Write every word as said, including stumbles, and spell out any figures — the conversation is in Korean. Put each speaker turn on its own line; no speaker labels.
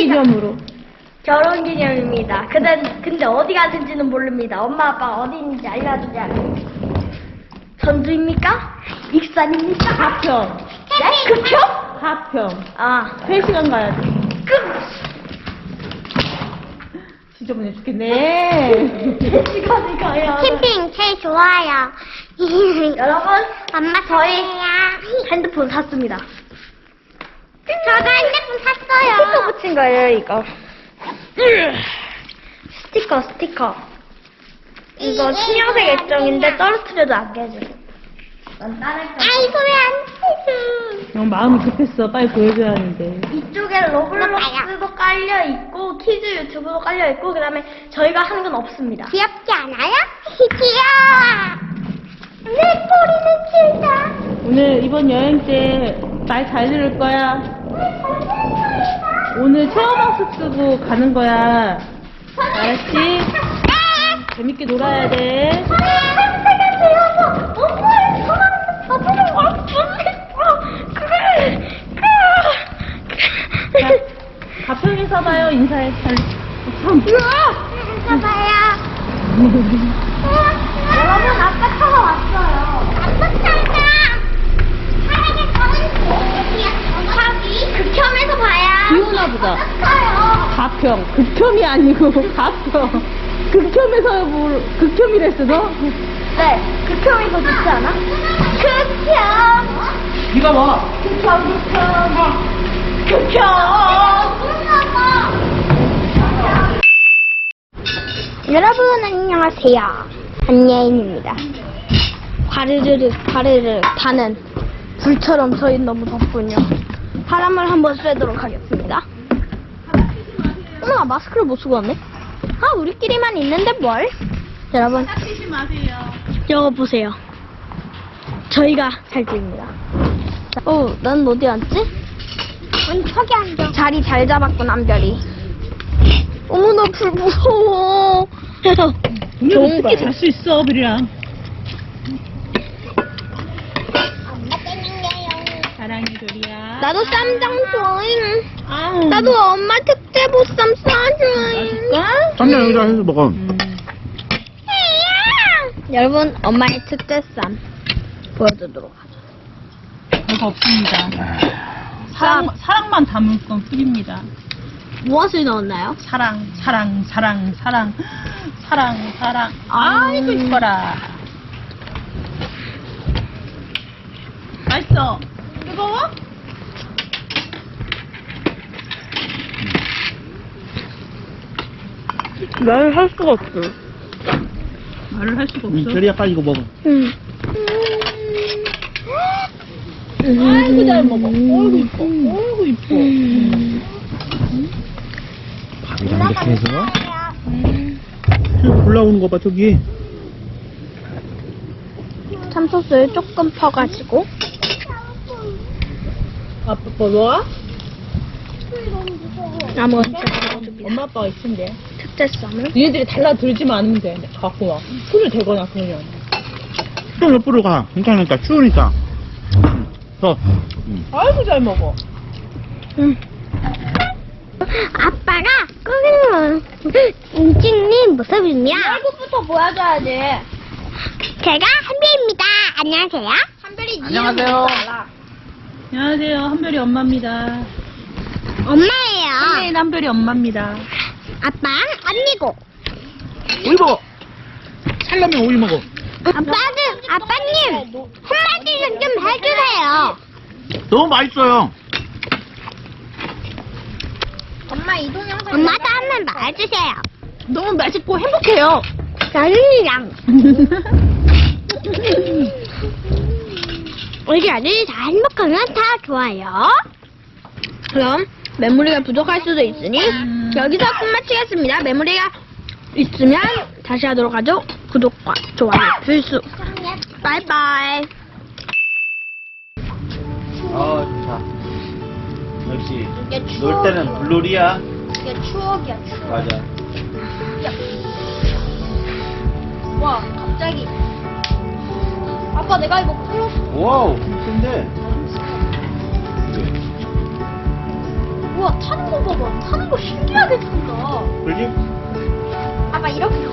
기념으로.
결혼기념입니다. 근데, 근데 어디 가는지는 모릅니다. 엄마 아빠 어디 있는지 알려주지 않아요. 전주입니까? 익산입니까?
가평.
네? 급평?
가평.
아,
세 시간 가야 돼.
급!
지저분해 죽겠네.
시간이 가야 돼.
캠핑 제일 좋아요.
여러분,
엄마
저희
저희
핸드폰 샀습니다.
저도 핸드폰
스티커
샀어요.
붙인 거예요, 이거. 스티커, 스티커. 이거 신형색 액정인데 떨어뜨려도 안 깨지고. 난 다른 거.
아이고 왜안
형 마음이 급했어. 빨리 보여줘야 하는데.
이쪽에 로블록스도 깔려 있고 키즈 유튜브도 깔려 있고 그다음에 저희가 하는 건 없습니다.
귀엽지 않아요? 귀여워. 내 꼬리는 길다.
오늘 이번 여행 때 말 잘 들을 거야. 오늘 체험학습 쓰고 가는 거야. 알았지? 재밌게 놀아야 돼. 자, 가평에서 봐요. 인사해. 잘. 참.
봐봐요.
여러분 아까 차가 왔어요.
아빠 차가. 사랑의 저는 저기
극혐에서 봐야.
비 오나 보다.
커요.
가평. 극혐이 아니고 가평. 극혐에서 뭘 극혐이랬어 너?
네, 극혐이 더 좋지 않아? 극혐.
비가 와.
극혐, 극혐. 극혐.
여러분 안녕하세요. 한예인입니다.
화르르르 화르르 타는 불처럼 저희 너무 덥군요. 바람을 한번 쐬도록 하겠습니다. 어머, 마스크를 못 쓰고 왔네. 아, 우리끼리만 있는데 뭘? 여러분,
닦이지 마세요.
이거 보세요. 저희가 잘 보입니다. 어, 난 어디 앉지?
언니 저기 앉아.
자리 잘 잡았군, 남별이. 어머, 나 불 무서워.
오늘
좋은
어떻게
거예요.
잘 수 있어, 별이랑.
엄마 때문에요.
사랑해, 별이야.
나도 쌈장 좋아해.
아우.
나도 엄마 특제 보쌈 싸줘잉.
맛있을까?
쌈장 여기다 해서 먹어.
음.
여러분, 엄마의 특제 쌈 보여드리도록 하죠.
별거 없습니다. 사랑, 사랑만 담을 건 뿐입니다.
무엇을 넣었나요?
사랑, 사랑, 사랑, 사랑, 사랑, 사랑. 아이고, 이뻐라. 맛있어. 뜨거워?
말을 할 수가 없어.
말을 할 수가
응,
없어.
별이야 빨리 이거 먹어.
응.
아이고, 잘 먹어. 어이구, 이뻐. 어이구, 이뻐.
밥이랑 이렇게 해서. 저기 올라오는 거 봐 저기.
참소스를 조금 퍼가지고.
아빠, 뭐, 뭐?
나머지 넣어줍니다.
엄마 아빠가 있은데.
특제 쌈을.
니네들이 달라들지만 않으면 돼. 갖고 와. 손을 대거나 그러면.
좀 옆으로 가. 괜찮으니까 추우니까. 응. 더. 응.
아이고, 잘 먹어.
응.
아빠가 꾸미는 찍는 모습이며
얼굴부터 보여줘야지.
제가 한별입니다. 안녕하세요.
한별이 니
안녕하세요.
이름 뭔지 알아?
안녕하세요. 한별이 엄마입니다.
엄마예요.
한별이 한별이 엄마입니다.
아빠 언니고.
오이 먹어. 살라면 오이 먹어.
아빠는 아빠님 한마디 좀 해주세요.
너무 맛있어요.
엄마 이 동영상.
엄마도 한 번 말해주세요.
너무 맛있고 행복해요.
저는이랑 우리 아들이 다 행복하면 다 좋아요.
그럼 메모리가 부족할 수도 있으니 여기서 끝마치겠습니다. 메모리가 있으면 다시 하도록 하죠. 구독과 좋아요 필수. 바이바이.
아 좋다. 역시 놀 때는 블루리야.
이게 추억이야, 추억.
맞아.
와, 갑자기. 아빠, 내가 이거 풀었어.
와우. 근데.
우와, 타는 거 봐봐. 타는 거 신기하게 탄다.
그지?
아빠, 이렇게